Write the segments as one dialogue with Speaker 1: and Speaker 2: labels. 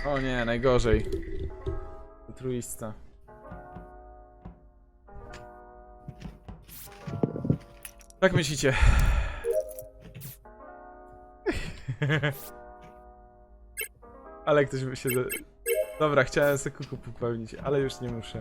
Speaker 1: O nie, najgorzej. Truista. Jak myślicie? Ale ktoś by się... Dobra, chciałem sobie kuku popełnić, ale już nie muszę.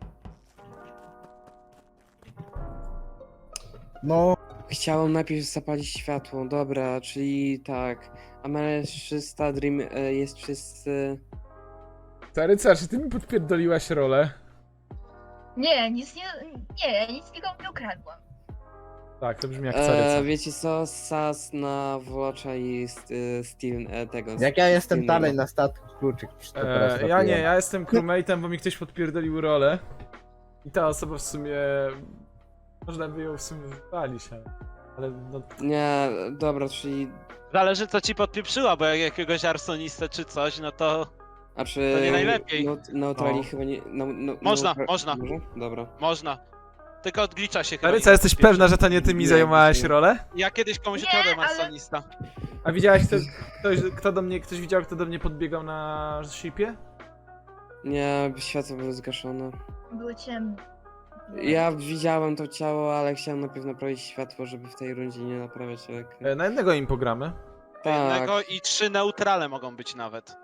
Speaker 2: No,
Speaker 3: Chciałem najpierw zapalić światło, dobra, czyli tak. Amerysta Dream jest wszyscy.
Speaker 1: Taryca, czy ty mi podpierdoliłaś rolę?
Speaker 4: Nie, nic nie. Nie, ja nic nikomu nie ukradłam.
Speaker 1: Tak, to brzmi jak Caryca.
Speaker 3: Wiecie co? Sas na Włocza i Steven tego.
Speaker 2: jak ja jestem
Speaker 3: Steven'a.
Speaker 2: dalej na statku, kluczyk to teraz
Speaker 1: Ja nie,
Speaker 2: robiłem.
Speaker 1: ja jestem crewmate'em, bo mi ktoś podpierdolił rolę. I ta osoba w sumie... Można by ją w sumie wypalić, ale no...
Speaker 3: Nie, dobra, czyli.
Speaker 5: Zależy co ci podpieprzyła, bo jak jakiegoś arsonistę czy coś, no to
Speaker 3: A czy.
Speaker 5: To nie najlepiej.
Speaker 3: Neutrali
Speaker 1: No.
Speaker 3: chyba nie.
Speaker 5: Można, można.
Speaker 3: Może? Dobra.
Speaker 5: można. Tylko od glitcha się chyba
Speaker 1: Taryca,
Speaker 5: nie
Speaker 1: jesteś
Speaker 5: podpieprza.
Speaker 1: pewna, że to nie ty mi
Speaker 3: Nie,
Speaker 1: zajmowałaś
Speaker 3: nie.
Speaker 1: rolę?
Speaker 5: Ja kiedyś komuś
Speaker 4: Nie,
Speaker 5: ukradłem
Speaker 4: ale-
Speaker 5: arsonista.
Speaker 1: A widziałaś ktoś widział, kto do mnie podbiegał na shipie?
Speaker 3: Nie, światło były zgaszone.
Speaker 4: Były ciemne.
Speaker 3: Ja widziałem to ciało, ale chciałem najpierw naprawić światło, żeby w tej rundzie nie naprawiać elekry.
Speaker 1: Na jednego im pogramy.
Speaker 3: Tak,
Speaker 5: Jednego i 3 neutrale mogą być nawet.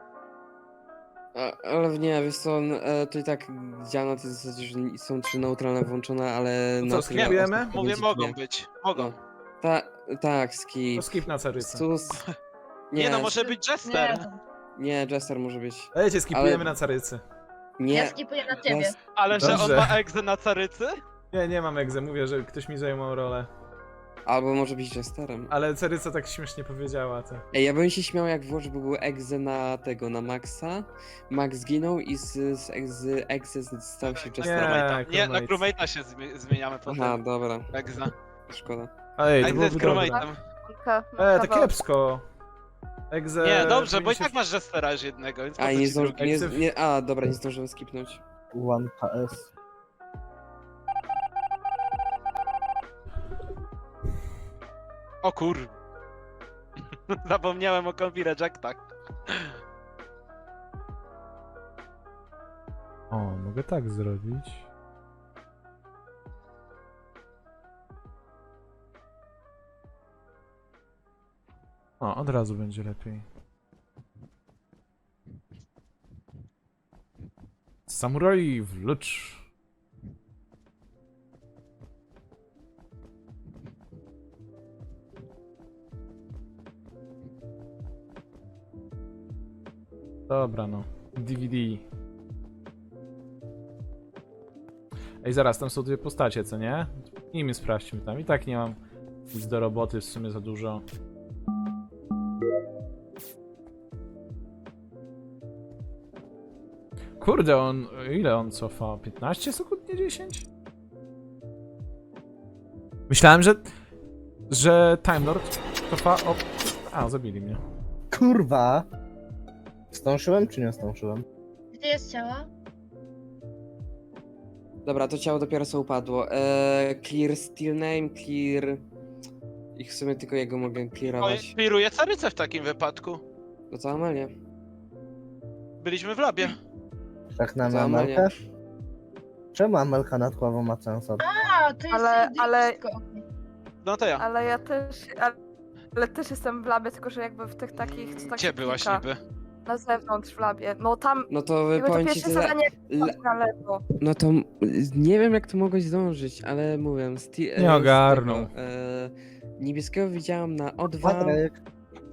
Speaker 3: ale nie, wiesz co, to i tak działa na tej zasadzie, że są 3 neutralne włączone, ale
Speaker 1: To co,
Speaker 3: na tyle
Speaker 1: skipujemy?
Speaker 3: osób
Speaker 5: Mówię,
Speaker 3: będzie
Speaker 5: mogą
Speaker 3: nie.
Speaker 5: być. Mogą.
Speaker 3: No. Tak, skip.
Speaker 1: To skip na Carycę.
Speaker 3: Sus.
Speaker 5: Nie no, może być Jester.
Speaker 3: Nie, Jester może być.
Speaker 1: Dajcie, skipujemy
Speaker 3: Ale-
Speaker 1: na Carycy.
Speaker 4: Ja
Speaker 3: Nie.
Speaker 4: skipuję na ciebie.
Speaker 3: Jas-
Speaker 5: Ale że on
Speaker 1: Dobrze.
Speaker 5: ma egzę na Carycy?
Speaker 1: Nie mam egzę, mówię, że ktoś mi zajmował rolę.
Speaker 3: Albo może być Jesterem.
Speaker 1: Ale Caryca tak śmiesznie powiedziała, to.
Speaker 3: Ej, ja bym się śmiał jak włoż by był egze na tego, na Maxa. Max zginął i z egze stał się Jesterem.
Speaker 5: Nie, na
Speaker 1: crewmate.
Speaker 5: crewmate'a się zmieniamy
Speaker 3: Aha,
Speaker 5: potem.
Speaker 3: dobra,
Speaker 5: Egza.
Speaker 3: szkoda.
Speaker 1: Ej, to
Speaker 5: Egza jest
Speaker 1: byłoby dobre.
Speaker 5: crewmate'em.
Speaker 1: To kiepsko. Egze...
Speaker 5: Nie, dobrze, bo i
Speaker 1: powinien się-
Speaker 5: tak masz Jestera już jednego, więc po
Speaker 3: A,
Speaker 5: co
Speaker 3: nie
Speaker 5: ci drugi?
Speaker 3: nie, a, dobra, nie zdążyłem skipnąć.
Speaker 2: 1KS.
Speaker 5: O kur... Zapomniałem o kombi rejectach.
Speaker 1: O, mogę tak zrobić. O, od razu będzie lepiej. Samuraj wlecz. Dobra no, DVD. Ej, zaraz, tam są dwie postacie, co nie? Nimi sprawdźmy tam. I tak nie mam nic do roboty, w sumie za dużo. Kurde, ile on cofa? 15 sekund, nie 10? Myślałem, że Time Lord cofa... O... A, zabili mnie.
Speaker 2: Kurwa! Zdążyłem czy nie zdążyłem?
Speaker 4: Gdzie jest ciało?
Speaker 3: Dobra, to ciało dopiero co upadło. Clear Steel Name, clear... I w sumie tylko jego mogę
Speaker 5: Oj,
Speaker 3: clearować.
Speaker 5: clearuję Carycę w takim wypadku.
Speaker 3: No to Amelię.
Speaker 5: Byliśmy w labie.
Speaker 2: Tak na
Speaker 3: Co, Amelia?
Speaker 2: Amelkę? Czemu Amelka nad głową ma sens?
Speaker 4: A, to jest
Speaker 6: Ale-
Speaker 4: blisko.
Speaker 5: No to ja.
Speaker 6: Ale ja też. Ale też jestem w labie, tylko że jakby w tych takich. Co tak
Speaker 5: Gdzie
Speaker 6: się
Speaker 5: byłaś
Speaker 6: klika
Speaker 5: niby?
Speaker 6: Na zewnątrz w labie. No tam.
Speaker 3: No to
Speaker 6: Jakby to
Speaker 3: powiem ci
Speaker 6: pierwsze
Speaker 3: tyle...
Speaker 6: zadanie
Speaker 3: Le...
Speaker 6: na lewo.
Speaker 3: No to nie wiem jak to mogłeś zdążyć, ale mówię...
Speaker 1: Nie ogarnął.
Speaker 3: Niebieskiego widziałam na O2,
Speaker 2: Patryk,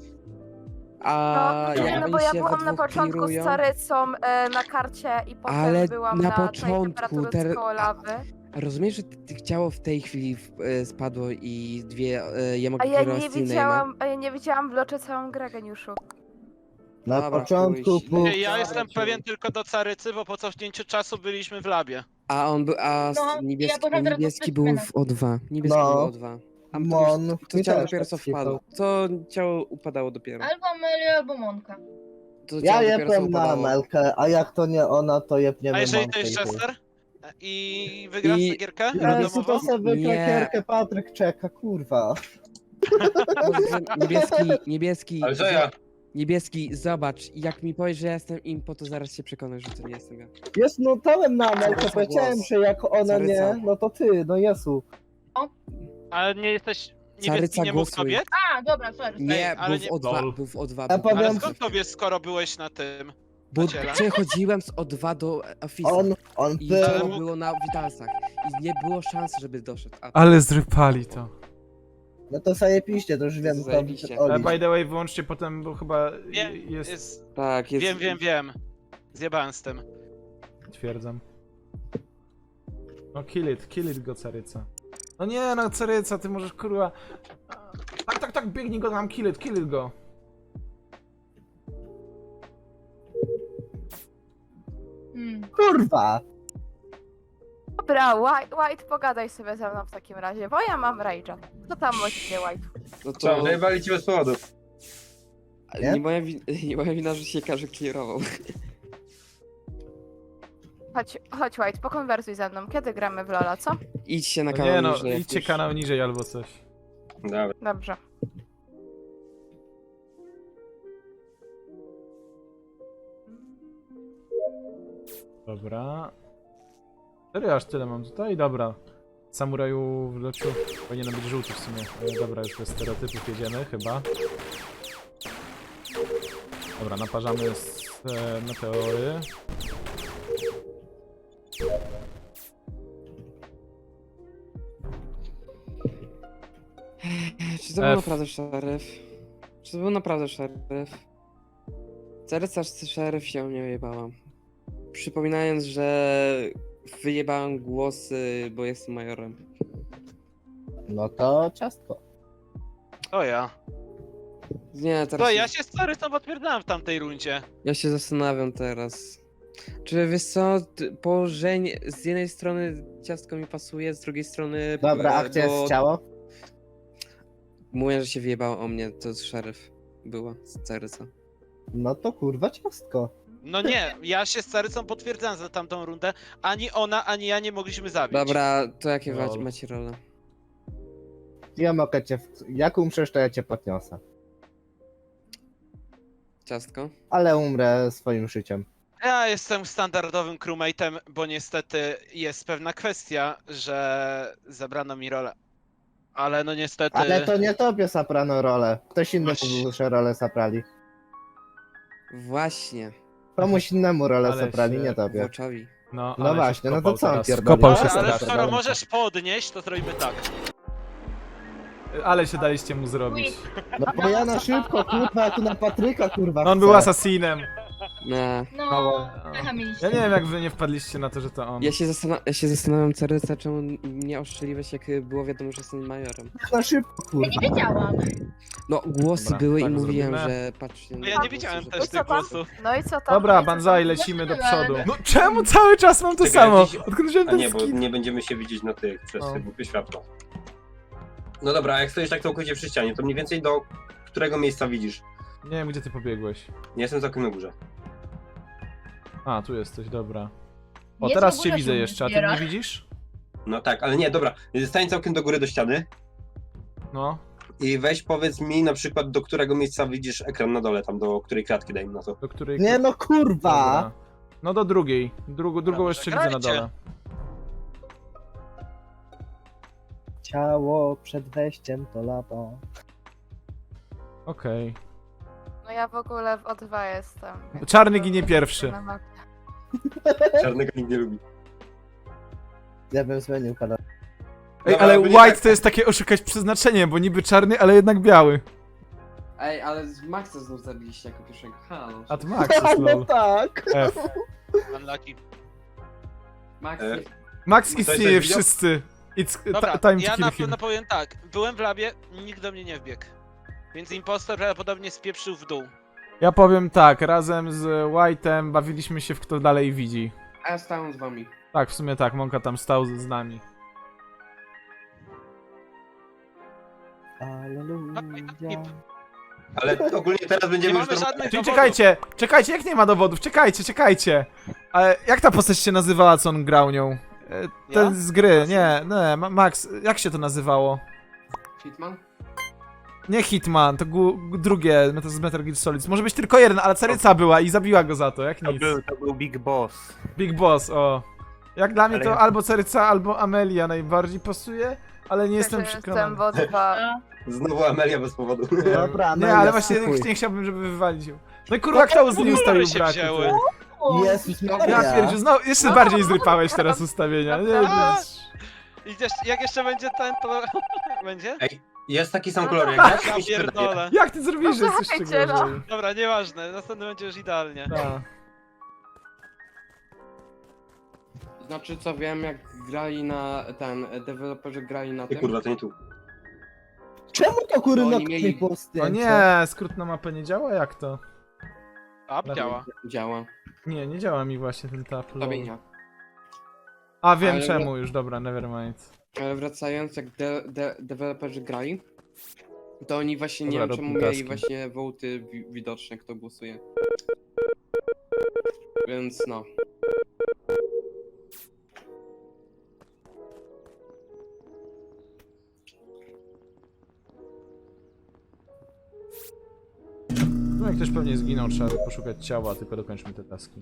Speaker 3: a
Speaker 6: No,
Speaker 3: jak
Speaker 6: nie, no
Speaker 3: oni
Speaker 6: bo ja
Speaker 3: się we
Speaker 6: byłam na
Speaker 3: dwóch
Speaker 6: początku
Speaker 3: clearują-
Speaker 6: z Carycą na karcie i potem
Speaker 3: Ale
Speaker 6: byłam
Speaker 3: na
Speaker 6: na tej
Speaker 3: początku
Speaker 6: temperaturze koło lawy.
Speaker 3: Rozumiesz, że ciało w tej chwili spadło i ja mogę
Speaker 6: A ja
Speaker 3: kierować
Speaker 6: nie
Speaker 3: Steel Name'a?
Speaker 6: widziałam, a ja nie widziałam w locie całą grę, geniuszu.
Speaker 2: na
Speaker 3: Dobra,
Speaker 2: początku
Speaker 3: chuj.
Speaker 2: był...
Speaker 5: Ja
Speaker 3: Dobra,
Speaker 5: jestem
Speaker 3: ciu.
Speaker 5: pewien tylko do Carycy, bo po cofnięciu czasu byliśmy w labie.
Speaker 3: A on był,
Speaker 4: No,
Speaker 3: niebieski,
Speaker 4: ja potem teraz
Speaker 3: niebieski był w O2. Niebieski
Speaker 2: No.
Speaker 3: był w O2. A
Speaker 2: Mon,
Speaker 3: to
Speaker 2: mi
Speaker 3: ciało
Speaker 2: też
Speaker 3: dopiero
Speaker 2: tak
Speaker 3: co
Speaker 2: skipał.
Speaker 3: wpadło. To ciało upadało dopiero.
Speaker 4: Albo Amelia, albo Monka.
Speaker 3: To
Speaker 2: Ja
Speaker 3: ciało dopiero co
Speaker 2: jebłem na
Speaker 3: upadało.
Speaker 2: Amelkę, a jak to nie ona, to jebniemy
Speaker 5: A jeżeli to
Speaker 2: Monkę
Speaker 5: jest
Speaker 2: i chuj.
Speaker 5: Jester? I wygrasz
Speaker 3: I-
Speaker 5: tę gierkę
Speaker 2: Jezu,
Speaker 5: randomową?
Speaker 2: to sobie
Speaker 3: Nie.
Speaker 2: krakierkę Patryk czeka, kurwa.
Speaker 3: Niebieski,
Speaker 7: Ale że ja...
Speaker 3: Niebieski, zobacz, jak mi powiesz, że ja jestem impo, to zaraz się przekonasz, że to nie jestem ja.
Speaker 2: Jest, no dałem na Amelkę,
Speaker 3: Caryca
Speaker 2: powiedziałem,
Speaker 3: głos.
Speaker 2: że jak ona
Speaker 3: Caryca.
Speaker 2: nie, no to ty, no Jezu.
Speaker 5: Ale nie jesteś...
Speaker 3: Caryca
Speaker 5: Niebieski nie mógł
Speaker 3: głosuj.
Speaker 5: kobiet?
Speaker 4: A, dobra, sorry.
Speaker 3: Nie,
Speaker 5: ale
Speaker 3: był
Speaker 5: nie-
Speaker 3: w O2,
Speaker 1: Lol.
Speaker 3: był w O2.
Speaker 2: Ja
Speaker 3: był.
Speaker 2: powiem-
Speaker 5: Ale skąd to wiesz, skoro byłeś na tym?
Speaker 3: Bo
Speaker 5: na ciele?
Speaker 3: przechodziłem z O2 do Office'a.
Speaker 2: On
Speaker 3: I
Speaker 2: był...
Speaker 3: to było na witalsach. I nie było szans, żeby doszedł. A
Speaker 1: Ale zrypali to.
Speaker 2: No to zajebiście, to już wiem, to
Speaker 3: Zajebiście.
Speaker 1: Ale
Speaker 2: Oli.
Speaker 1: by the way, wyłączcie potem, bo chyba
Speaker 5: Wiem,
Speaker 1: jest...
Speaker 3: tak, jest.
Speaker 5: Wiem. Zjebałem z tym.
Speaker 1: Twierdzam. No kill it go, Caryca. No nie, no Caryca, ty możesz kurwa... Tak, biegnij go tam, kill it go.
Speaker 2: Kurwa!
Speaker 6: Dobra, White, pogadaj sobie ze mną w takim razie, bo ja mam Rage'a. Co tam możecie, White?
Speaker 3: No to
Speaker 7: Co, zajebali ci bez powodu.
Speaker 2: Nie?
Speaker 3: nie moja wina, że się każdy clearował.
Speaker 6: Chodź White, pokonwersuj ze mną. Kiedy gramy w Lola, co?
Speaker 3: Idźcie na
Speaker 1: No
Speaker 3: kanał
Speaker 1: nie no,
Speaker 3: niżej, jak
Speaker 1: idźcie
Speaker 3: już.
Speaker 1: kanał niżej albo coś.
Speaker 7: Dobra.
Speaker 6: Dobrze.
Speaker 1: Dobra. Serio, aż tyle mam tutaj? Dobra. Samuraju w leczu powinien być żółty w sumie. Dobra, już bez stereotypów jedziemy chyba. Dobra, naparzamy z meteory.
Speaker 3: Czy to był
Speaker 1: F.
Speaker 3: naprawdę szeryf? Czy to był naprawdę szeryf? Caryca szeryf się mnie wyjebała. Przypominając, że wyjebałem głosy, bo jestem majorem.
Speaker 2: No to ciastko.
Speaker 5: To ja.
Speaker 3: Nie, teraz
Speaker 5: To ja się z Carycą potwierdzałem w tamtej rundzie.
Speaker 3: ja się zastanawiam teraz. Czy wiesz co, położenie z jednej strony ciastko mi pasuje, z drugiej strony...
Speaker 2: Dobra, a gdzie
Speaker 3: bo
Speaker 2: jest ciało?
Speaker 3: Mówię, że się wyjebało o mnie, to szeryf była z Caryca.
Speaker 2: No to kurwa ciastko.
Speaker 5: No nie, ja się z Carycą potwierdzałem za tamtą rundę. Ani ona, ani ja nie mogliśmy zabić.
Speaker 3: Dobra, to jakie
Speaker 1: Lol.
Speaker 3: macie role?
Speaker 2: Ja mogę cię... Jak umrzesz, to ja cię podniosę.
Speaker 3: Ciastko?
Speaker 2: Ale umrę swoim życiem.
Speaker 5: Ja jestem standardowym crewmate'em, bo niestety jest pewna kwestia, że zabrano mi rolę. Ale no niestety...
Speaker 2: Ale to nie tobie saprano rolę. Ktoś inny
Speaker 5: Właśnie.
Speaker 2: mu rolę saprali.
Speaker 3: Właśnie.
Speaker 2: Komuś innemu rolę
Speaker 1: Ale
Speaker 2: saprali,
Speaker 1: się
Speaker 2: nie tobie.
Speaker 3: Włoczowi.
Speaker 1: No,
Speaker 2: No
Speaker 1: ale się
Speaker 2: właśnie, no to
Speaker 1: wkopał
Speaker 2: co on
Speaker 1: teraz.
Speaker 2: pierdoli?
Speaker 1: Wkopał się
Speaker 2: Dobra,
Speaker 5: Ale
Speaker 1: strasznie.
Speaker 5: skoro możesz podnieść, to zrobimy tak.
Speaker 1: Ale się daliście mu zrobić.
Speaker 2: No bo ja na szybko, kurwa, ja tu na Patryka, kurwa,
Speaker 1: No on
Speaker 2: chcę.
Speaker 1: był asasinem.
Speaker 3: Nie.
Speaker 4: No, pecha mieliście.
Speaker 1: Ja nie wiem jak wy nie wpadliście na to, że to on.
Speaker 3: Ja się zastanawiam, Caryca, czemu nie oszczeliłeś, jak było wiadomo, że jestem majorem.
Speaker 2: Na szybko,
Speaker 4: Ja
Speaker 2: kurwa.
Speaker 4: nie wiedziałam.
Speaker 3: No, głosy
Speaker 1: Dobra,
Speaker 3: były
Speaker 1: tak
Speaker 3: i mówiłem,
Speaker 1: zrobimy.
Speaker 3: że patrzcie na
Speaker 5: No ja nie
Speaker 3: głosy,
Speaker 5: widziałem
Speaker 3: że-
Speaker 5: też
Speaker 6: I co
Speaker 5: tych
Speaker 6: tam?
Speaker 5: głosów.
Speaker 6: No i co tam?
Speaker 1: Dobra,
Speaker 6: No i co
Speaker 1: banzai,
Speaker 6: tam?
Speaker 1: lecimy do
Speaker 4: Zobaczymy.
Speaker 1: przodu. No czemu cały czas mam to
Speaker 7: Czekaj,
Speaker 1: samo?
Speaker 7: jakiś-
Speaker 1: Odkąd wziąłem
Speaker 7: A
Speaker 1: ten
Speaker 7: nie, bo
Speaker 1: skin.
Speaker 7: nie będziemy się widzieć na tych przez
Speaker 1: O.
Speaker 7: te głupie światło. No dobra, a jak stoisz tak całkowicie przy ścianie, to mniej więcej do którego miejsca widzisz?
Speaker 1: Nie wiem gdzie ty pobiegłeś.
Speaker 7: Nie jestem całkiem na górze.
Speaker 1: A, tu jesteś, dobra. O,
Speaker 4: Nie,
Speaker 1: teraz
Speaker 4: co
Speaker 1: cię
Speaker 4: góra
Speaker 1: widzę
Speaker 4: się
Speaker 1: jeszcze, a ty
Speaker 4: zbiera.
Speaker 1: mnie widzisz?
Speaker 7: No tak, ale nie, dobra. Stań całkiem do góry do ściany
Speaker 1: No,
Speaker 7: i weź powiedz mi na przykład do którego miejsca widzisz ekran na dole, tam do której kratki dajmy na to.
Speaker 1: do której...
Speaker 2: Nie no, kurwa!
Speaker 1: Dobra. No do drugiej. Drugą
Speaker 5: Dobra,
Speaker 1: jeszcze widzę na
Speaker 5: grajcie.
Speaker 1: dole.
Speaker 2: Ciało przed wejściem to lapa.
Speaker 1: Okej.
Speaker 6: No ja w ogóle w O2 jestem. więc
Speaker 1: Czarny
Speaker 6: to-
Speaker 1: ginie pierwszy.
Speaker 6: na mapie.
Speaker 7: Czarnego nikt nie lubi.
Speaker 2: Ja bym zmienił kanał.
Speaker 1: Ej,
Speaker 7: Dobra,
Speaker 1: ale
Speaker 7: byli
Speaker 1: white
Speaker 7: tak-
Speaker 1: to jest takie oszukać przeznaczenie, bo niby czarny, ale jednak biały.
Speaker 3: Ej, ale Maxa znów zabiliście jako pierwszego. Halo.
Speaker 1: A to Max jest
Speaker 2: No
Speaker 1: lol.
Speaker 2: tak!
Speaker 1: F.
Speaker 5: Unlucky.
Speaker 3: Max,
Speaker 7: E,
Speaker 1: Max
Speaker 7: Ktoś
Speaker 1: istnieje
Speaker 7: coś widział?
Speaker 1: wszyscy. It's
Speaker 5: Dobra,
Speaker 1: time to
Speaker 5: ja
Speaker 1: kill
Speaker 5: na
Speaker 1: him.
Speaker 5: pewno powiem tak. Byłem w labie, nikt do mnie nie wbiegł. Więc impostor prawdopodobnie spieprzył w dół.
Speaker 1: Ja powiem tak, razem z White'em bawiliśmy się w kto dalej widzi.
Speaker 3: a ja stałem z wami.
Speaker 1: Tak, w sumie tak, Monka tam stał z nami.
Speaker 2: Alleluja.
Speaker 7: Ale ogólnie teraz
Speaker 5: Nie
Speaker 7: będziemy
Speaker 5: mamy
Speaker 7: już
Speaker 5: żadnych
Speaker 1: Czyli
Speaker 5: dowodów.
Speaker 1: czekajcie, jak nie ma dowodów, czekajcie. Ale jak ta postać się nazywała, co on grał nią? Ten
Speaker 5: Ja?
Speaker 1: z gry, nie, Max, jak się to nazywało?
Speaker 3: Hitman?
Speaker 1: Nie Hitman, to drugie, to z Metal Gear Solid. Może być tylko jeden, ale Caryca była i zabiła go za to, jak nic.
Speaker 8: To był Big Boss.
Speaker 1: Big Boss, o. Jak dla mnie
Speaker 8: Ale-
Speaker 1: to albo Caryca, albo Amelia najbardziej pasuje, ale nie jestem
Speaker 6: Też
Speaker 1: przekonany.
Speaker 6: bo dwa.
Speaker 7: Znowu Amelia bez powodu.
Speaker 2: Dobra,
Speaker 1: Nie,
Speaker 2: Amelia,
Speaker 1: ale właśnie
Speaker 2: spokój.
Speaker 1: nie chciałbym, żeby wywalić ją. No i kurwa, kto z nim ustawił
Speaker 5: się
Speaker 1: braku?
Speaker 5: wzięły.
Speaker 1: ty?
Speaker 2: Jezus
Speaker 1: Ja
Speaker 2: Maria.
Speaker 1: pierdziu, no jeszcze bardziej zrypałeś teraz ustawienia. Nie,
Speaker 6: Naprawdę.
Speaker 1: nie.
Speaker 5: Jak jeszcze będzie ten, to będzie?
Speaker 7: Jest taki sam
Speaker 6: No
Speaker 7: kolor
Speaker 6: tak.
Speaker 7: jak ja,
Speaker 5: Ja
Speaker 7: mi się wydaje.
Speaker 5: pierdolę.
Speaker 1: Jak ty zrobiłeś, że jest jeszcze
Speaker 6: Słuchajcie, no.
Speaker 1: gorzej?
Speaker 5: Dobra, nieważne, następny będzie już idealnie.
Speaker 1: Tak.
Speaker 3: Znaczy co wiem, jak grali na deweloperzy grali na
Speaker 7: Ty
Speaker 3: tym.
Speaker 7: kurwa, to nie tu.
Speaker 2: Czemu to kurwa
Speaker 3: Oni
Speaker 2: no,
Speaker 3: mieli-
Speaker 2: po
Speaker 1: O
Speaker 2: zdjęcie?
Speaker 1: nie, skrót na mapę nie działa? Jak to?
Speaker 5: A, działa.
Speaker 3: Działa.
Speaker 1: Nie działa mi właśnie ten tap. lol.
Speaker 3: Tobie nie.
Speaker 1: A wiem
Speaker 3: Ale-
Speaker 1: czemu już, dobra, nevermind.
Speaker 3: Ale wracając, jak deweloperzy grali, to oni właśnie nie
Speaker 1: Dobra,
Speaker 3: wiem czemu
Speaker 1: rób
Speaker 3: mieli
Speaker 1: taski.
Speaker 3: właśnie wołty widoczne, kto głosuje. Więc no.
Speaker 1: No jak ktoś pewnie zginął, trzeba by poszukać ciała, tylko dokończmy te taski.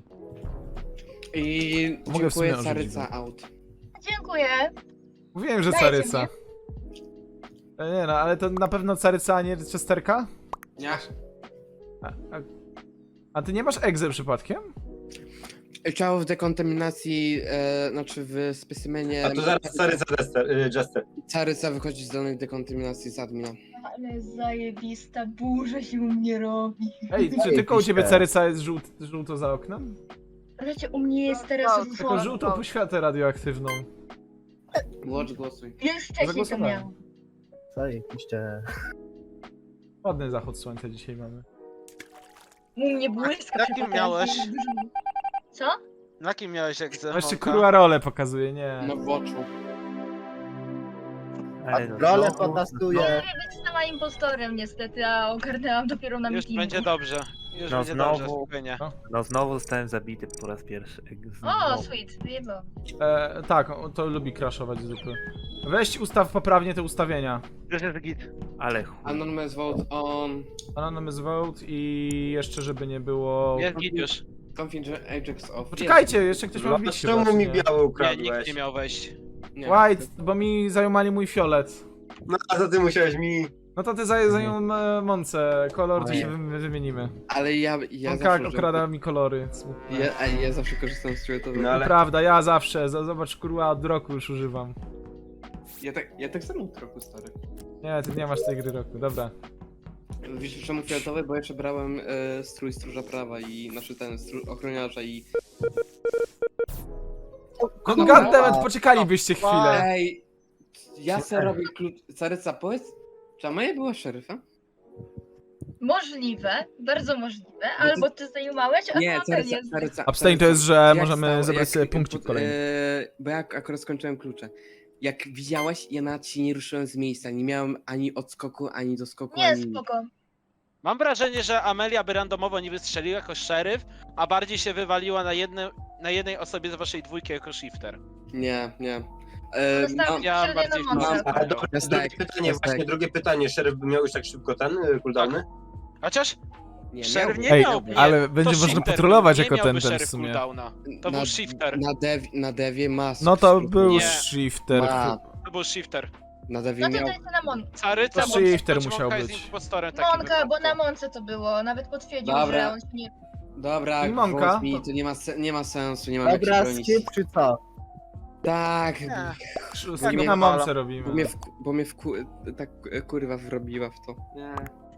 Speaker 3: I
Speaker 1: Mogę w sumie
Speaker 3: dziękuję
Speaker 1: orzucić
Speaker 3: Caryca
Speaker 1: go.
Speaker 3: out.
Speaker 4: Dziękuję.
Speaker 1: Mówiłem, że
Speaker 4: Dajcie
Speaker 1: Caryca.
Speaker 4: mnie.
Speaker 1: Nie no, ale to na pewno Caryca, a nie Chesterka?
Speaker 3: Nie.
Speaker 1: A ty nie masz egze przypadkiem?
Speaker 3: Ciało w dekontaminacji, znaczy w specymenie.
Speaker 7: A tu zaraz stary za Jester.
Speaker 3: Caryca wychodzi z danej dekontaminacji z admina.
Speaker 4: Ale zajebista burza się u mnie robi.
Speaker 1: Ej, czy tylko u ciebie Caryca jest żółto za oknem?
Speaker 4: Znaczy u mnie jest teraz
Speaker 6: No,
Speaker 1: Tylko
Speaker 4: wol-
Speaker 1: żółtą poświatę radioaktywną.
Speaker 3: Watch głosuj.
Speaker 4: Już wcześniej to
Speaker 1: Zagłosowałem.
Speaker 4: miałam.
Speaker 2: Zajebiście.
Speaker 1: Ładny zachód słońca dzisiaj mamy.
Speaker 4: U mnie błyska
Speaker 5: Jakim
Speaker 4: przy
Speaker 5: miałeś?
Speaker 4: pokazie. Co?
Speaker 5: Na kim miałeś egzę?
Speaker 1: No jeszcze
Speaker 5: Honka?
Speaker 1: kurwa rolę pokazuje, nie.
Speaker 3: No w oczu.
Speaker 8: Ale no,
Speaker 2: Rolę
Speaker 8: znowu-
Speaker 2: pokazuje.
Speaker 4: Nie być sama impostorem niestety, a ogarnęłam dopiero na
Speaker 5: Już
Speaker 4: meetingu.
Speaker 5: będzie dobrze. Już
Speaker 8: No
Speaker 5: będzie
Speaker 8: znowu.
Speaker 5: dobrze, spokojnie.
Speaker 8: No znowu zostałem zabity po raz pierwszy.
Speaker 4: O,
Speaker 8: Znowu.
Speaker 4: sweet, wyjebałam.
Speaker 1: Tak, to lubi crashować zupy. Weź ustaw poprawnie te ustawienia.
Speaker 5: Już jest git.
Speaker 8: Ale chuj.
Speaker 3: Anonymous vote on.
Speaker 1: Anonymous vote i jeszcze żeby nie było...
Speaker 5: Jest git już.
Speaker 3: Confident Ajax off.
Speaker 1: Poczekajcie, jeszcze ktoś ma wbić chyba,
Speaker 7: Czemu
Speaker 1: czy
Speaker 7: mi
Speaker 1: nie?
Speaker 7: biały
Speaker 5: Nie,
Speaker 7: ukradłeś?
Speaker 5: nikt nie miał wejść.
Speaker 3: Nie.
Speaker 1: White, bo mi zajumali mój fiolet.
Speaker 7: No a za ty musiałeś mi...
Speaker 1: No to ty zajął Monce, kolor to
Speaker 3: Oj.
Speaker 1: się wymienimy.
Speaker 3: Ale ja
Speaker 1: On
Speaker 3: zawsze...
Speaker 1: okrada mi kolory. Smutne.
Speaker 3: Ja zawsze korzystam z tego.
Speaker 7: No ale...
Speaker 1: Prawda, ja zawsze, zobacz kurwa, od roku już używam.
Speaker 3: Ja tak samo trochę stary.
Speaker 1: Nie, ty nie masz tej gry roku, dobra.
Speaker 3: Wiesz czemu fioletowy? Bo jeszcze brałem strój stróża prawa i znaczy ten ochroniarza i...
Speaker 1: No goddammit, poczekalibyście chwilę.
Speaker 3: Ej! Ja se robię klucz... Caryca, powiedz, czy Amelia była szeryfem?
Speaker 4: Możliwe, bardzo możliwe,
Speaker 3: No to-
Speaker 4: albo ty zajumałeś, a
Speaker 3: Nie,
Speaker 4: to jest.
Speaker 3: Caryca.
Speaker 1: Abstain to jest, że
Speaker 3: Jak
Speaker 1: możemy
Speaker 3: stało-
Speaker 1: zebrać
Speaker 3: jak-
Speaker 1: sobie
Speaker 3: jak
Speaker 1: punkcik
Speaker 3: pod-
Speaker 1: kolejny.
Speaker 3: Bo ja akurat skończyłem klucze. Jak widziałaś, ja nawet się nie ruszyłem z miejsca. Nie miałem ani odskoku, ani doskoku,
Speaker 4: Nie,
Speaker 3: ani...
Speaker 4: spoko.
Speaker 5: Mam wrażenie, że Amelia by randomowo nie wystrzeliła jako szeryf, a bardziej się wywaliła na jednej osobie z waszej dwójki jako shifter.
Speaker 3: Nie.
Speaker 4: Zostawiam
Speaker 5: ja
Speaker 4: średnio
Speaker 5: bardziej
Speaker 4: na mące.
Speaker 5: mam-
Speaker 7: Ale dobra,
Speaker 3: Jest
Speaker 7: drugie
Speaker 3: tak,
Speaker 7: pytanie,
Speaker 3: jest
Speaker 7: właśnie
Speaker 3: tak.
Speaker 7: drugie pytanie. Szeryf by miał już tak szybko ten cooldowny?
Speaker 5: Chociaż
Speaker 3: nie
Speaker 5: szeryf nie
Speaker 1: Ej,
Speaker 5: miał. Nie,
Speaker 1: ale
Speaker 5: to
Speaker 1: będzie można
Speaker 5: shifter
Speaker 1: patrolować
Speaker 5: nie
Speaker 1: jako
Speaker 5: miałby
Speaker 1: ten w
Speaker 5: szeryf
Speaker 1: sumie.
Speaker 5: cooldowna. To był shifter.
Speaker 3: Na devie ma...
Speaker 1: No to był
Speaker 5: Nie.
Speaker 1: shifter.
Speaker 3: Ma,
Speaker 5: To był shifter.
Speaker 3: na devie
Speaker 4: No to
Speaker 3: miał...
Speaker 4: dajcie na Monkę.
Speaker 5: Caryca,
Speaker 1: To
Speaker 5: bo
Speaker 1: shifter
Speaker 5: Monka
Speaker 1: musiał
Speaker 5: jest
Speaker 1: być.
Speaker 5: impostorem takim
Speaker 4: Monka, bo
Speaker 5: wypadku.
Speaker 4: na Monce to było, nawet potwierdził,
Speaker 3: Dobra.
Speaker 4: że on się nie...
Speaker 3: Dobra,
Speaker 1: Monka.
Speaker 3: głos mi, to nie ma sensu, nie mam jak
Speaker 2: Dobra,
Speaker 3: się bronić.
Speaker 2: skip czy co?
Speaker 3: Tak,
Speaker 1: Skip na mamce robimy.
Speaker 3: bo mnie tak kurwa wrobiła w to. Nie.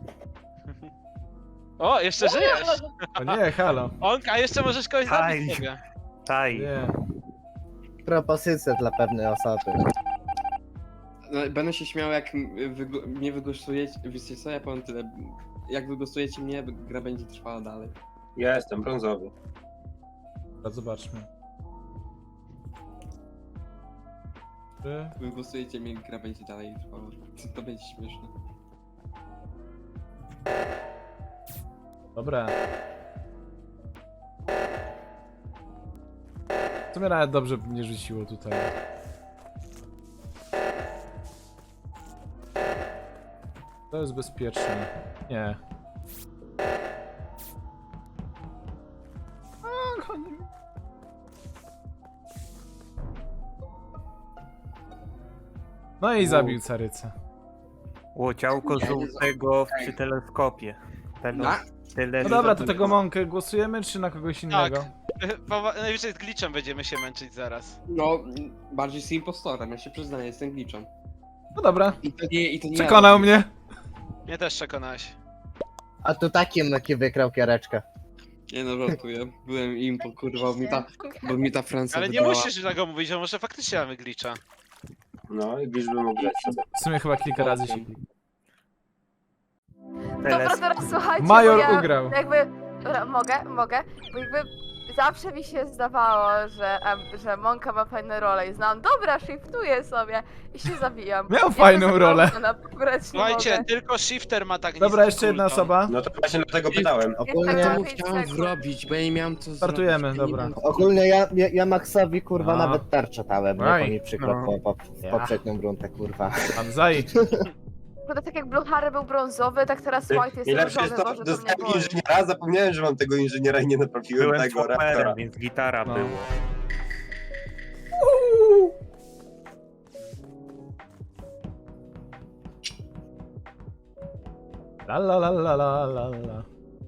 Speaker 5: O, jeszcze żyjesz!
Speaker 1: O nie, halo.
Speaker 5: Onka, jeszcze możesz kogoś
Speaker 8: Aj.
Speaker 5: zabić sobie.
Speaker 8: Taj.
Speaker 1: Nie.
Speaker 2: Propozycje dla pewnej osoby.
Speaker 3: No, będę się śmiał jak mnie wygłosujecie, wiecie co, ja powiem tyle. Jak wygłosujecie mnie, gra będzie trwała dalej.
Speaker 7: Ja jestem brązowy.
Speaker 1: Dobra, zobaczmy.
Speaker 3: Wygłosujecie mnie, gra będzie dalej trwała. To będzie śmieszne.
Speaker 1: Dobra. To mnie nawet dobrze nie rzuciło tutaj. To jest bezpieczne. Nie. A, koniec. No i zabił carycę.
Speaker 8: Łociałko żółtego przy teleskopie.
Speaker 1: No dobra, to tego Monkę głosujemy, czy na kogoś innego?
Speaker 5: Najwyżej z glitchem będziemy się męczyć zaraz.
Speaker 3: No, bardziej z impostorem, ja się przyznaję, jestem glitchem.
Speaker 1: No dobra,
Speaker 3: I to nie
Speaker 1: przekonał mnie.
Speaker 5: Mnie też przekonałeś.
Speaker 2: A tu takim wykrał kiereczkę.
Speaker 3: Nie no, żartuję. Byłem impo, kurwa, bo mi ta Francja
Speaker 5: Ale nie
Speaker 3: wybrała.
Speaker 5: musisz tego mówić, że może faktycznie mamy glitcha.
Speaker 7: No i liczby mógł grać sobie.
Speaker 1: W sumie chyba kilka razy się kliknął.
Speaker 6: Dobra, teraz słuchajcie,
Speaker 1: Major
Speaker 6: bo ja
Speaker 1: ugrał.
Speaker 6: jakby... Dobra, mogę, bo jakby zawsze mi się zdawało, że Monka ma fajne role i znam, dobra, shiftuję sobie i się zabijam.
Speaker 1: Miał fajną rolę.
Speaker 5: Słuchajcie, tylko shifter ma tak
Speaker 1: Dobra,
Speaker 5: niski
Speaker 1: jeszcze jedna
Speaker 5: cooldown.
Speaker 1: osoba.
Speaker 7: No to właśnie dlatego pytałem.
Speaker 2: Ogólnie,
Speaker 6: tak,
Speaker 3: To
Speaker 6: tak.
Speaker 3: chciałem zrobić, bo ja nie miałem co
Speaker 1: Startujemy,
Speaker 3: zrobić. Ja nie
Speaker 1: dobra.
Speaker 3: miałem co-
Speaker 2: ogólnie ja Maxowi kurwa
Speaker 1: No.
Speaker 2: nawet tarczę dałem, bo
Speaker 1: Aj,
Speaker 2: to mi przykro
Speaker 8: no.
Speaker 2: w
Speaker 1: Ja.
Speaker 2: poprzednią rundę kurwa.
Speaker 1: Pan Zaj.
Speaker 6: Bo tak jak Blue Harry był brązowy, tak teraz White jest
Speaker 7: Najlepsze
Speaker 6: różowy,
Speaker 7: jest to,
Speaker 6: Boże,
Speaker 7: że
Speaker 6: to mnie
Speaker 7: dostałem
Speaker 6: boli.
Speaker 7: inżyniera, zapomniałem, że mam tego inżyniera i nie naprawiłem
Speaker 8: Byłem
Speaker 7: tego reaktora.
Speaker 8: chłoperem, więc gitara
Speaker 1: No.
Speaker 8: było.
Speaker 1: La la la la la la la.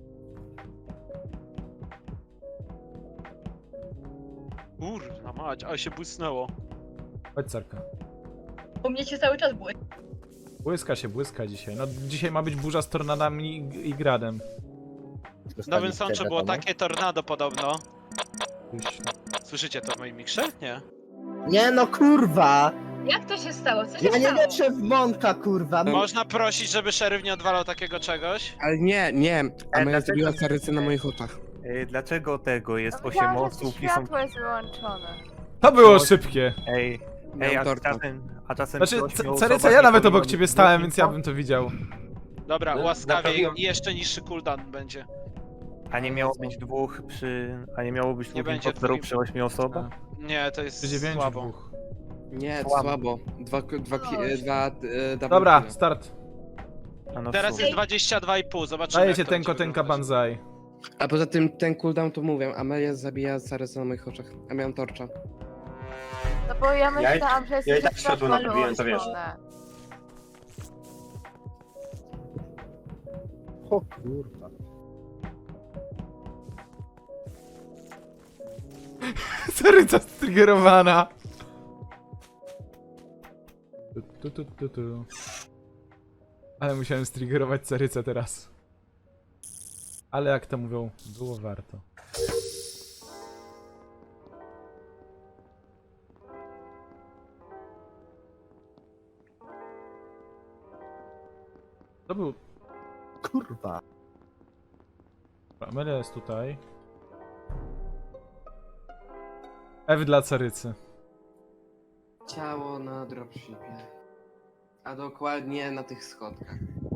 Speaker 5: Kurwa mać, ale się błysnęło.
Speaker 1: Chodź, Sarka.
Speaker 4: U mnie się cały czas błysk.
Speaker 1: Błyska dzisiaj. No dzisiaj ma być burza z tornadami i gradem.
Speaker 5: W Nowym Sączu było takie tornado podobno.
Speaker 1: Gdzieś-
Speaker 5: Słyszycie to w moim mikrze? Nie.
Speaker 2: Nie no kurwa!
Speaker 4: Jak to się stało? Co się
Speaker 2: Ja nie
Speaker 4: stało?
Speaker 2: wierzę w Monka kurwa!
Speaker 5: Można prosić, żeby szeryf nie odwalał takiego czegoś?
Speaker 3: Ale nie, a moja
Speaker 8: dlaczego-
Speaker 3: zrobiła carycę na moich oczach.
Speaker 8: Dlaczego tego jest
Speaker 6: No
Speaker 8: 8
Speaker 6: widziałam, że
Speaker 8: osób i są...
Speaker 6: światło jest wyłączone.
Speaker 1: To było szybkie.
Speaker 8: Ej,
Speaker 3: Miałem
Speaker 8: a
Speaker 3: torta.
Speaker 8: czasem
Speaker 1: Znaczy,
Speaker 8: przy 8
Speaker 1: Caryca,
Speaker 8: osobach
Speaker 1: ja
Speaker 8: nie
Speaker 1: nawet obok
Speaker 8: powinno
Speaker 1: ciebie
Speaker 8: być
Speaker 1: stałem,
Speaker 8: dwóch
Speaker 1: więc ja
Speaker 8: info?
Speaker 1: bym to widział.
Speaker 5: Dobra,
Speaker 7: No,
Speaker 5: łaskawie
Speaker 7: naprawiłem.
Speaker 5: i jeszcze niższy cooldown będzie.
Speaker 8: A nie miało być dwóch przy... A nie miało być
Speaker 5: Nie
Speaker 8: dwóch
Speaker 5: będzie
Speaker 8: impostorów
Speaker 5: dwóch
Speaker 8: przy 8 osobach?
Speaker 5: Nie, to jest
Speaker 1: Przy 9
Speaker 5: słabo.
Speaker 1: dwóch.
Speaker 3: Nie, to
Speaker 8: Słabo.
Speaker 3: słabo. Double
Speaker 1: Dobra,
Speaker 3: kille.
Speaker 1: start.
Speaker 8: A no w
Speaker 5: Teraz
Speaker 8: sumie.
Speaker 5: jest 22,5, zobaczymy.
Speaker 1: Dajecie
Speaker 5: jak to
Speaker 1: tenko,
Speaker 5: będzie
Speaker 1: tenka,
Speaker 5: wyglądać.
Speaker 1: banzai.
Speaker 3: A poza tym ten cooldown to mówię, Amelia zabija carycę na moich oczach. A miałem torcza.
Speaker 6: No bo ja myślałam, że jest
Speaker 7: ja i tak światło naprawiłem, to wiesz.
Speaker 2: O kurwa.
Speaker 1: Caryca striggerowana. Tu. Ale musiałem striggerować Carycę teraz. Ale jak to mówią, było warto. To był...
Speaker 2: Kurwa.
Speaker 1: Amelia jest tutaj. F dla Carycy.
Speaker 3: Ciało na dropshipie. A dokładnie na tych schodkach.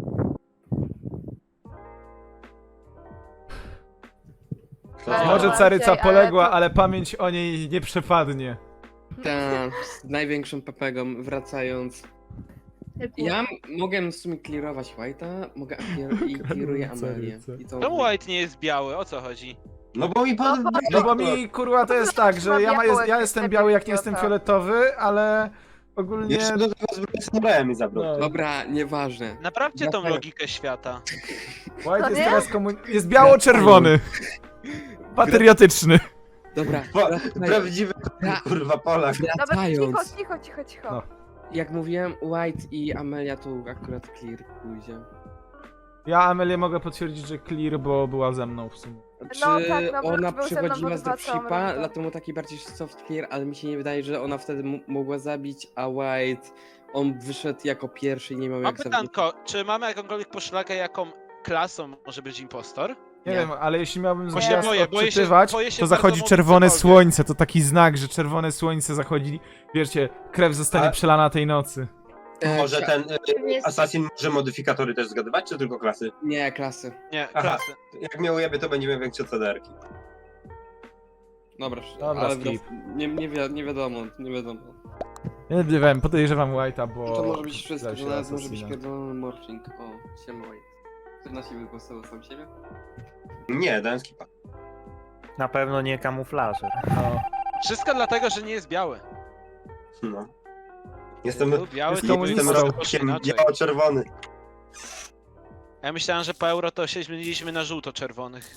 Speaker 6: Ale
Speaker 1: Może
Speaker 6: bardziej,
Speaker 1: Caryca
Speaker 6: ale
Speaker 1: poległa,
Speaker 6: to-
Speaker 1: ale pamięć o niej nie przepadnie.
Speaker 3: Tak, z największą pepegą wracając. Ja mogę w sumie clearować White'a, mogę i clearuję Amelię. I to
Speaker 5: Czemu White nie jest biały? O co chodzi?
Speaker 7: No bo mi pan...
Speaker 1: No bo mi kurwa to jest tak, że ja jestem biały jak nie jestem fioletowy, ale ogólnie...
Speaker 7: Jeszcze do tego z samurajem mi zabrał.
Speaker 1: No.
Speaker 3: Dobra, nieważne.
Speaker 5: Naprawcie tą
Speaker 3: Dlaczego?
Speaker 5: logikę świata.
Speaker 1: White jest
Speaker 6: nie?
Speaker 1: teraz jest biało-czerwony. Patriotyczny.
Speaker 3: Dobra,
Speaker 7: Prawdziwy kurwa Polak.
Speaker 6: Dobra,
Speaker 3: wracając.
Speaker 6: cicho.
Speaker 1: No.
Speaker 3: Jak mówiłem, White i Amelia to akurat clear pójdzie.
Speaker 1: Ja Amelię mogę potwierdzić, że clear, bo była ze mną w sumie.
Speaker 3: Czy
Speaker 6: tak, no,
Speaker 3: ona
Speaker 6: był ze mną
Speaker 3: przechodziła z
Speaker 6: pod dwa całą
Speaker 3: dropshipa,
Speaker 6: rundę.
Speaker 3: dlatego taki bardziej soft clear, ale mi się nie wydaje, że ona wtedy mogła zabić, a White, on wyszedł jako pierwszy i nie miał
Speaker 5: Mam
Speaker 3: jak zabić.
Speaker 5: pytanko, czy mamy jakąkolwiek poszlakę, jaką klasą może być impostor?
Speaker 1: Nie
Speaker 3: Nie.
Speaker 1: wiem, ale jeśli miałbym
Speaker 5: Bo się
Speaker 1: zamiast
Speaker 5: boję się
Speaker 1: odczytywać,
Speaker 5: bardzo
Speaker 1: to zachodzi
Speaker 5: mówić
Speaker 1: czerwone
Speaker 5: cokolwiek.
Speaker 1: słońce. To taki znak, że czerwone słońce zachodzi. Wiecie, krew zostanie
Speaker 7: A-
Speaker 1: przelana tej nocy.
Speaker 7: Może ten
Speaker 4: Jest-
Speaker 7: Assassin może modyfikatory też zgadywać, czy tylko klasy?
Speaker 3: Nie, klasy.
Speaker 5: Nie,
Speaker 7: Aha.
Speaker 5: klasy.
Speaker 7: Jak mnie ujebie, to będziemy większe CDR-ki.
Speaker 3: Dobra,
Speaker 1: Dobra,
Speaker 3: ale
Speaker 1: skip.
Speaker 3: nie wiadomo.
Speaker 1: Ja nie wiem, podejrzewam White'a, bo...
Speaker 3: To może być wszystko,
Speaker 1: Zdaje
Speaker 3: to
Speaker 1: się
Speaker 3: nawet może być
Speaker 1: Assassina.
Speaker 3: pierdolony morphing. O, siema White. Który na siebie głosował sam siebie?
Speaker 7: Nie, dałem skipa.
Speaker 8: Na pewno nie kamuflaże.
Speaker 1: No.
Speaker 5: Wszystko dlatego, że nie jest biały.
Speaker 7: No. Jestem,
Speaker 5: Był biały,
Speaker 1: Jest
Speaker 5: to
Speaker 1: komunistą.
Speaker 5: było
Speaker 7: rokiem
Speaker 5: inaczej.
Speaker 7: biało-czerwony.
Speaker 5: Ja myślałem, że po euro to się zmieniliśmy na żółto-czerwonych.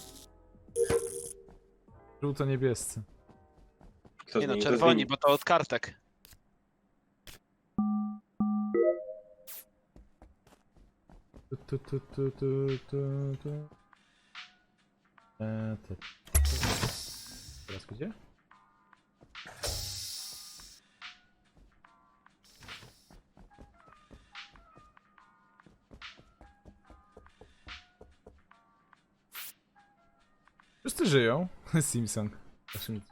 Speaker 1: Żółto-niebiescy.
Speaker 7: Kto
Speaker 5: Nie no,
Speaker 7: zmieni, to
Speaker 5: czerwoni,
Speaker 7: zmieni.
Speaker 5: bo to od kartek.
Speaker 1: Tu. Teraz gdzie? Wszyscy żyją. Simpson. Znaczy nic.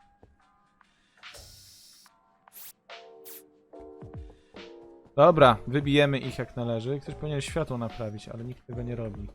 Speaker 1: Dobra, wybijemy ich jak należy. Ktoś powinien światło naprawić, ale nikt tego nie robi.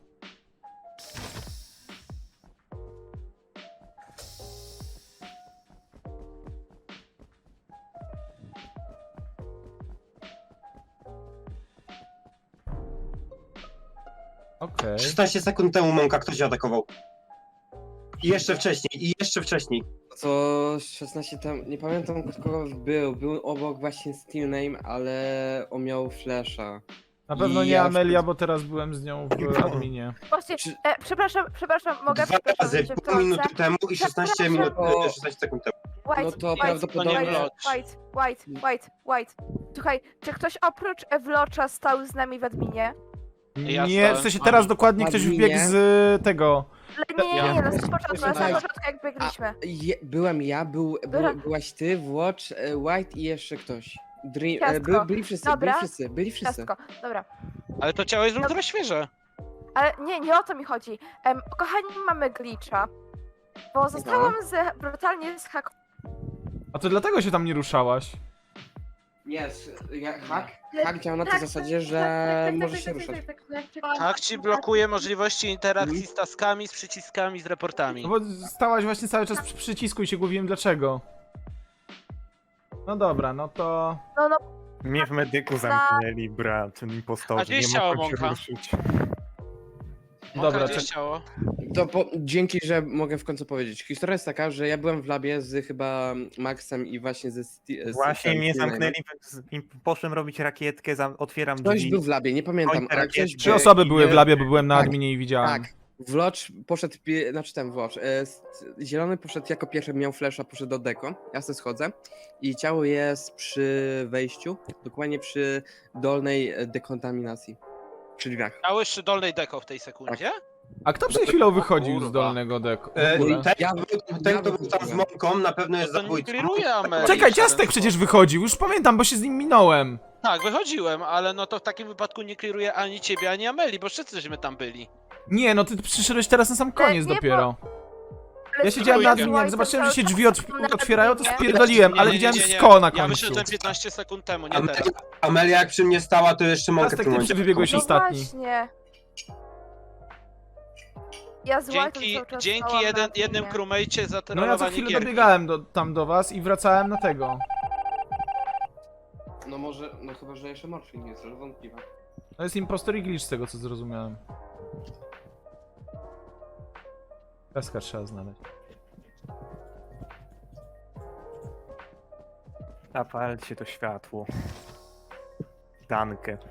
Speaker 1: Okej.
Speaker 7: 16 sekund temu Monka ktoś atakował. I jeszcze wcześniej, i jeszcze wcześniej.
Speaker 3: To 16 tam, nie pamiętam kogo był obok właśnie Steel Name, ale on miał flasha.
Speaker 1: Na pewno
Speaker 3: I
Speaker 1: nie
Speaker 3: ja
Speaker 1: Amelia, bo teraz byłem z nią w adminie.
Speaker 6: Właśnie,
Speaker 3: Czy-
Speaker 6: przepraszam, mogę
Speaker 7: Dwa
Speaker 6: przepraszam,
Speaker 7: razy,
Speaker 6: że się
Speaker 7: pół
Speaker 6: wtrącę.
Speaker 7: minuty temu i 16 minut,
Speaker 3: O.
Speaker 7: 16 sekund temu.
Speaker 6: White,
Speaker 3: No to
Speaker 6: White,
Speaker 3: prawdopodobnie-
Speaker 6: White. Słuchaj, czy ktoś oprócz Ewlocza stał z nami w adminie?
Speaker 5: Ja
Speaker 1: Nie, w
Speaker 5: stałem
Speaker 1: sensie
Speaker 5: w
Speaker 1: teraz
Speaker 5: adminie.
Speaker 1: dokładnie ktoś
Speaker 3: Adminie?
Speaker 1: wbiegł z tego.
Speaker 6: Nie, na samym początku,
Speaker 3: Słuchaj,
Speaker 6: jak biegliśmy.
Speaker 3: Byłem ja,
Speaker 6: Dobra.
Speaker 3: byłaś ty, Watch, White i jeszcze ktoś.
Speaker 6: Ciastko.
Speaker 3: Byli wszyscy,
Speaker 6: Dobra.
Speaker 3: byli wszyscy.
Speaker 6: Ciastko, dobra.
Speaker 5: Ale to ciało jest ultra świeże.
Speaker 6: Ale nie o to mi chodzi. Kochani, mamy glitcha. Bo zostałam brutalnie
Speaker 1: A to dlatego się tam nie ruszałaś.
Speaker 3: Hack działa na tej zasadzie, że może się ruszać.
Speaker 5: Tak ci blokuje możliwości interakcji z taskami, z przyciskami, z reportami.
Speaker 1: No bo stałaś właśnie cały czas przy przycisku i się głowiłem dlaczego. No dobra, no to...
Speaker 6: No,
Speaker 8: Mnie w medyku zamknęli, brat,
Speaker 5: A
Speaker 8: impostorzy,
Speaker 5: gdzie
Speaker 8: nie
Speaker 5: ciało
Speaker 8: mogłem się
Speaker 5: Monka?
Speaker 8: ruszyć.
Speaker 1: Dobra,
Speaker 5: Dobra, gdzie
Speaker 1: czek-
Speaker 5: ciało?
Speaker 3: Dzięki, że mogę w końcu powiedzieć. Historia jest taka, że ja byłem w labie z chyba Maxem i właśnie ze
Speaker 8: Właśnie mnie
Speaker 3: Steelem.
Speaker 8: zamknęli, poszłem robić rakietkę, otwieram
Speaker 3: Ktoś
Speaker 8: drzwi.
Speaker 3: był w labie, nie pamiętam,
Speaker 8: Kończę
Speaker 3: ale ktoś
Speaker 8: rakietkę.
Speaker 1: 3
Speaker 3: był.
Speaker 1: osoby były w
Speaker 8: nie-
Speaker 1: labie, bo byłem na
Speaker 3: tak,
Speaker 1: adminie i widziałem.
Speaker 3: Tak. Wlocz poszedł, znaczy ten Wlocz, zielony poszedł jako pierwszy, miał flasha, poszedł do deko, ja sobie schodzę i ciało jest przy wejściu, dokładnie przy dolnej dekontaminacji, przy drzwiach.
Speaker 5: Ciało jeszcze dolnej deko w tej sekundzie?
Speaker 1: A kto przed chwilą wychodził z
Speaker 5: kurwa.
Speaker 1: dolnego deku? w ogóle?
Speaker 7: Ten, kto był tam z Monką, na pewno jest
Speaker 5: To nie
Speaker 7: zabójcą.
Speaker 5: kliruje Amelie.
Speaker 1: Czekaj,
Speaker 5: w żaden
Speaker 1: Ciastek przecież
Speaker 5: sposób.
Speaker 1: wychodził, już pamiętam, bo się z nim minąłem.
Speaker 5: Tak, wychodziłem, ale no to w takim wypadku nie kliruje ani ciebie, ani Ameli, bo wszyscyśmy tam byli.
Speaker 1: Nie, no ty przyszedłeś teraz na sam koniec
Speaker 6: nie,
Speaker 1: dopiero.
Speaker 6: Ale
Speaker 1: Ja siedziałem na
Speaker 5: Trójkę.
Speaker 1: adminie, jak zobaczyłem, że się drzwi
Speaker 6: Na
Speaker 1: otwierają, to
Speaker 6: adminie.
Speaker 1: spierdoliłem, ale
Speaker 5: Nie,
Speaker 1: widziałem
Speaker 5: nie, nie.
Speaker 1: sko na
Speaker 5: Ja
Speaker 1: końcu.
Speaker 5: wyszedłem 15 sekund temu, nie teraz.
Speaker 7: Amelia jak przy mnie stała, to jeszcze Monkę w
Speaker 1: Ciastek,
Speaker 7: tym
Speaker 1: ty
Speaker 7: momencie.
Speaker 1: wybiegłeś
Speaker 6: No
Speaker 1: ostatni.
Speaker 6: właśnie. Ja z White'em
Speaker 5: Dzięki,
Speaker 6: cały czas
Speaker 5: dzięki
Speaker 6: stałam na
Speaker 5: jednym
Speaker 6: adminie.
Speaker 5: crewmate'cie za
Speaker 1: No ja co
Speaker 5: trollowanie
Speaker 1: chwilę
Speaker 5: gierki.
Speaker 1: dobiegałem tam do was i wracałem na tego.
Speaker 3: No może, no chyba, że jeszcze morphing jest, ale wątpliwe.
Speaker 1: To jest impostor i glitch z tego co zrozumiałem. Peska trzeba znaleźć.
Speaker 8: Zapalcie to światło. Dankę.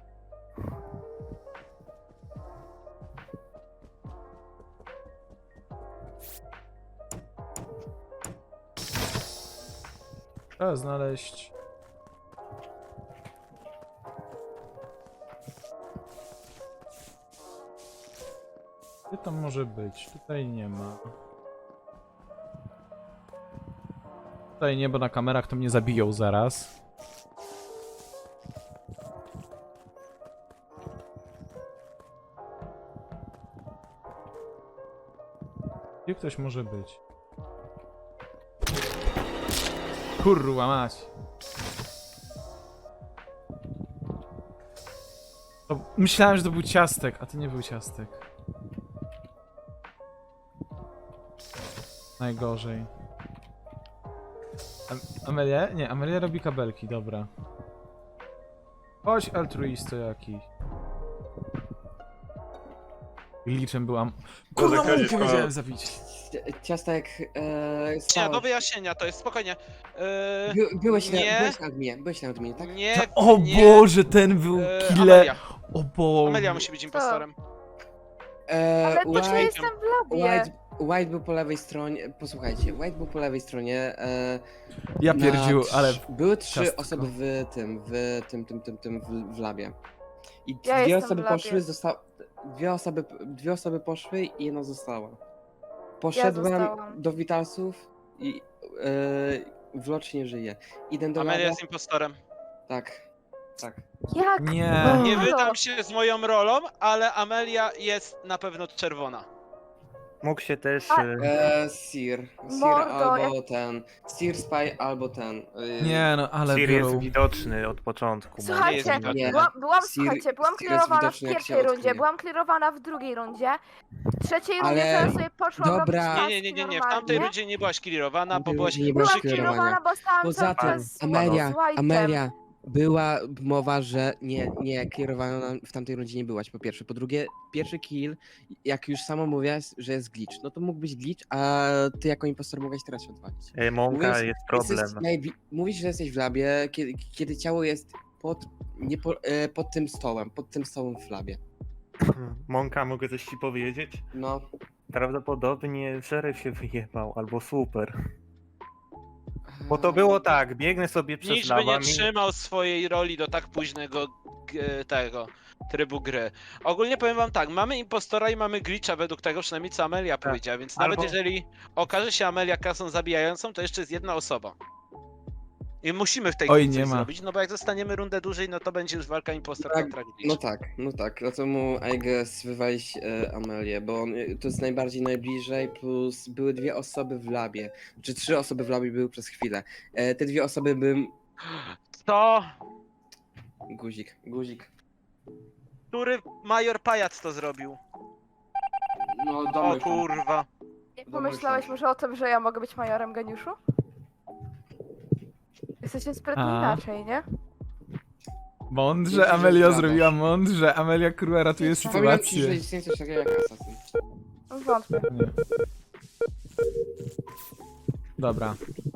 Speaker 1: Trzeba znaleźć... Gdzie tam może być? Tutaj nie ma. Tutaj nie, bo na kamerach to mnie zabiją zaraz. Gdzie ktoś może być? Kurwa mać. To myślałem, że to był Ciastek, a to nie był Ciastek. Najgorzej. Amelia? Nie, Amelia robi kabelki, dobra. Chodź, altruisto jakiś. Glitchem byłam. Kurwa,
Speaker 7: Boże,
Speaker 1: Monkę
Speaker 7: Kazik,
Speaker 1: wiedziałem zabić.
Speaker 3: Ciastek,
Speaker 5: Nie, do
Speaker 3: stałeś.
Speaker 5: wyjaśnienia, to jest spokojnie.
Speaker 3: Byłeś
Speaker 5: nie.
Speaker 3: na adminie, tak?
Speaker 5: Nie,
Speaker 1: O
Speaker 5: nie.
Speaker 1: Boże, ten był killer.
Speaker 5: Amelia.
Speaker 1: O Boże.
Speaker 5: Amelia musi być impostorem.
Speaker 6: Ale to
Speaker 3: White,
Speaker 6: czy jestem w labie?
Speaker 3: White był po lewej stronie, posłuchajcie, White był po lewej stronie.
Speaker 1: Ja pierdził, ale...
Speaker 3: Były 3
Speaker 1: ciastko.
Speaker 3: osoby w labie. I
Speaker 6: Ja
Speaker 3: dwie
Speaker 6: jestem
Speaker 3: osoby
Speaker 6: w labie.
Speaker 3: poszły, dwie osoby poszły i jedna została. Poszedłem
Speaker 6: zostałam.
Speaker 3: do Witalsów i Wlocz nie żyje. Idę do
Speaker 5: Amelia
Speaker 3: labia.
Speaker 5: jest impostorem.
Speaker 3: Tak.
Speaker 6: Jak?
Speaker 1: Nie.
Speaker 5: Nie
Speaker 6: Halo.
Speaker 5: wydam się z moją rolą, ale Amelia jest na pewno czerwona.
Speaker 8: Mógł się też...
Speaker 3: Sir
Speaker 6: Mordo,
Speaker 3: albo ten. Sir Spy albo ten.
Speaker 1: Nie no, ale
Speaker 8: Sir jest
Speaker 1: biorą.
Speaker 8: widoczny od początku.
Speaker 6: Słuchajcie,
Speaker 5: jest
Speaker 3: Nie.
Speaker 6: byłam
Speaker 3: Sir-
Speaker 6: słuchajcie, byłam
Speaker 3: Sir jest
Speaker 6: clearowana w
Speaker 3: widoczny, jak się
Speaker 6: pierwszej rundzie,
Speaker 3: odkryje.
Speaker 6: byłam clearowana w drugiej rundzie. W trzeciej rundzie
Speaker 3: Ale-
Speaker 6: teraz sobie poszłam
Speaker 3: Dobra.
Speaker 6: robić
Speaker 5: Nie,
Speaker 6: taski
Speaker 5: w tamtej
Speaker 6: normalnie.
Speaker 5: rundzie nie byłaś clearowana, bo
Speaker 3: Tamtej
Speaker 5: byłaś
Speaker 3: rundzie nie byłaś
Speaker 6: Byłam
Speaker 3: clearowana.
Speaker 6: clearowana, bo stałam
Speaker 3: Poza
Speaker 6: cały
Speaker 3: tym,
Speaker 6: czas z
Speaker 3: Amelia,
Speaker 6: White'em.
Speaker 3: Amelia, była mowa, że nie, kierowana w tamtej rundzie nie byłaś, po pierwsze. Po drugie, pierwszy kill, jak już sama mówiłaś, że jest glitch, no to mógł być glitch, a ty jako impostor mogłaś teraz się odwalić.
Speaker 8: Mąka
Speaker 3: Mówisz-
Speaker 8: jest problem.
Speaker 3: Mówisz, że jesteś w labie, kiedy ciało jest pod tym stołem w labie.
Speaker 8: Mąka, mogę coś ci powiedzieć?
Speaker 3: No,
Speaker 8: Prawdopodobnie szeryf się wyjebał, albo super. Bo to było tak, biegnę sobie przez
Speaker 5: Nikt by nie
Speaker 8: lawę,
Speaker 5: trzymał swojej roli do tak późnego tego trybu gry. Ogólnie powiem wam tak, mamy impostora i mamy glitcha według tego przynajmniej co Amelia powiedziała, więc nawet
Speaker 8: Albo-
Speaker 5: jeżeli okaże się Amelia kasą zabijającą, to jeszcze jest jedna osoba. I musimy w tej
Speaker 1: Oj,
Speaker 5: grze
Speaker 1: nie
Speaker 5: coś
Speaker 1: ma.
Speaker 5: zrobić, no bo jak zostaniemy rundę dłużej, no to będzie już walka impostor
Speaker 3: Tak,
Speaker 5: kontra glitch.
Speaker 3: no tak, dlatego I guess wywalić Amelię, bo to jest najbliżej, plus były 2 osoby w labie, czy 3 osoby w labie były przez chwilę. Te 2 osoby bym...
Speaker 5: To,
Speaker 3: Guzik.
Speaker 5: który major pajac to zrobił?
Speaker 3: No
Speaker 5: O kurwa.
Speaker 6: Nie pomyślałeś może o tym, że ja mogę być majorem geniuszu? Jesteście sprytni
Speaker 1: A.
Speaker 6: inaczej, nie?
Speaker 1: Mądrze
Speaker 3: Myślę, że
Speaker 1: Amelia
Speaker 3: zgadzasz.
Speaker 1: zrobiła, mądrze. Amelia kurwa ratuje
Speaker 3: Przypominam ci, że
Speaker 1: sytuację.
Speaker 3: istnieje coś takiego jak asasyn.
Speaker 6: Wątpię.
Speaker 1: Nie. Dobra.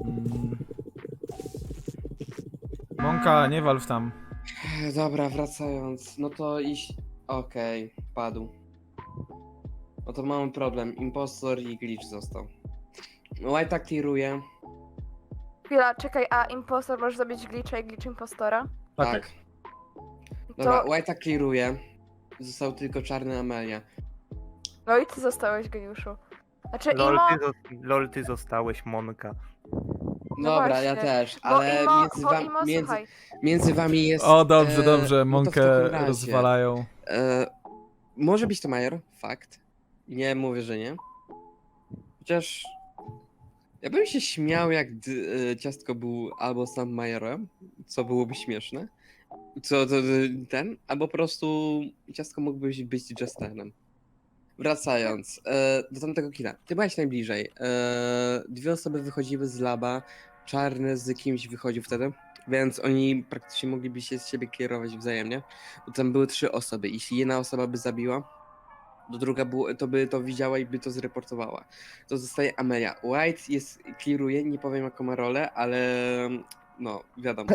Speaker 1: Mąka, nie walw tam.
Speaker 3: Dobra, wracając, no to iść... Okej, padł. No to mamy problem, impostor i glitch został. White tak tiruje.
Speaker 6: Chwila, czekaj, a impostor może zabić glitcha i glitch impostora?
Speaker 3: Tak. Dobra,
Speaker 6: To...
Speaker 3: White tak clearuje. Został tylko czarny Amelia.
Speaker 6: No i ty zostałeś geniuszu. Znaczy
Speaker 8: Lol,
Speaker 6: Imo...
Speaker 8: Lol, ty zostałeś, Monka.
Speaker 6: No
Speaker 3: Dobra, ja
Speaker 6: właśnie,
Speaker 3: też,
Speaker 6: Bo
Speaker 3: ale
Speaker 6: Imo,
Speaker 3: między,
Speaker 6: bo
Speaker 3: wam,
Speaker 6: Imo, słuchaj,
Speaker 3: między wami jest...
Speaker 1: O, dobrze, dobrze.
Speaker 3: no to w
Speaker 1: Mąkę
Speaker 3: takim razie,
Speaker 1: rozwalają.
Speaker 3: może być to major, fakt. Nie mówię, że nie. Chociaż... Ja bym się śmiał, jak Ciastko był albo sam majorem, co byłoby śmieszne. Ten, albo po prostu Ciastko mógłby być Justerem. Wracając do tamtego killa. Ty byłeś najbliżej. 2 osoby wychodziły z laba, czarny z kimś wychodził wtedy, więc oni praktycznie mogliby się z siebie kierować wzajemnie. Bo tam były 3 osoby. Jeśli jedna osoba by zabiła, to druga to by to widziała i by to zreportowała. To zostaje Amelia. White clearuje, nie powiem jaką ma rolę, ale no, wiadomo.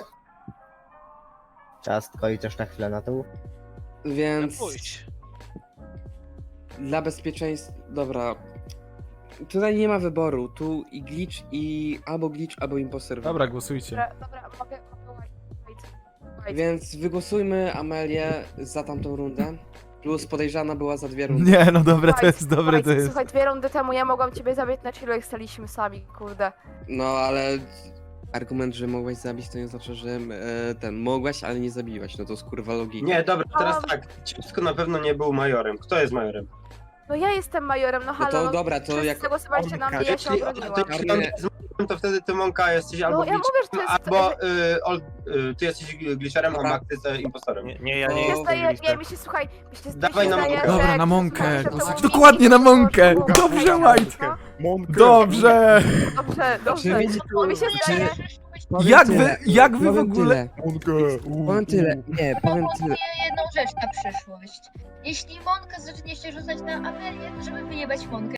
Speaker 2: Ciastko i też na chwilę na tył.
Speaker 3: Więc
Speaker 5: Pójdź.
Speaker 3: dla bezpieczeństwa, dobra. Tutaj nie ma wyboru. Tu i glitch, albo imposter.
Speaker 1: Dobra, głosujcie.
Speaker 6: dobra, mogę wait.
Speaker 3: Więc wygłosujmy Amelię za tamtą rundę. Plus podejrzana była za 2 rundy.
Speaker 1: Nie, no dobre to
Speaker 6: White,
Speaker 1: jest, dobre
Speaker 6: White,
Speaker 1: to jest.
Speaker 6: Słuchaj, 2 rundy temu ja mogłam ciebie zabić na chillu, jak staliśmy sami, kurde.
Speaker 3: No ale argument, że mogłaś zabić, to nie znaczy, że mogłaś, ale nie zabiłaś. No to jest kurwa logika.
Speaker 7: Nie, dobra, teraz tak. Ciastko na pewno nie był majorem. Kto jest majorem?
Speaker 6: No ja jestem majorem, no
Speaker 3: No
Speaker 6: halo,
Speaker 3: to dobra, to
Speaker 6: wszyscy
Speaker 3: jak...
Speaker 6: zagłosowaliście na mnie, ja się
Speaker 7: Jeśli
Speaker 6: obroniłam.
Speaker 7: to on jest majorem, to wtedy ty Monka jesteś albo
Speaker 6: No ja mówię, że to jest...
Speaker 7: albo ty jesteś glitcherem, a
Speaker 3: Dobra.
Speaker 7: Max jest impostorem.
Speaker 8: Nie, ja nie
Speaker 3: To-
Speaker 6: Mi się
Speaker 8: jestem
Speaker 6: zdaje, nie,
Speaker 8: listem.
Speaker 6: mi się, słuchaj, mi się
Speaker 7: Dawaj na
Speaker 6: zdaje,
Speaker 7: Monkę.
Speaker 6: że...
Speaker 1: Dobra, na
Speaker 6: jak
Speaker 1: Monkę,
Speaker 6: słuchajcie, to
Speaker 1: głosujcie.
Speaker 6: był
Speaker 1: Dokładnie na
Speaker 6: Miki, to było-
Speaker 1: Monkę.
Speaker 6: to było
Speaker 1: Dobrze,
Speaker 6: Monka,
Speaker 1: White.
Speaker 6: no.
Speaker 1: Dobrze!
Speaker 6: Dobrze,
Speaker 3: Czy
Speaker 6: dobrze.
Speaker 3: wiecie,
Speaker 6: To mi się zdaje.
Speaker 1: Jak wy w
Speaker 3: powiem
Speaker 1: ogóle...
Speaker 3: Tyle. Powiem tyle, nie, powiem tyle.
Speaker 4: Proponuję jedną rzecz na przyszłość. Jeśli Monka zacznie się rzucać na Amelię, to żeby wyjebać Monkę.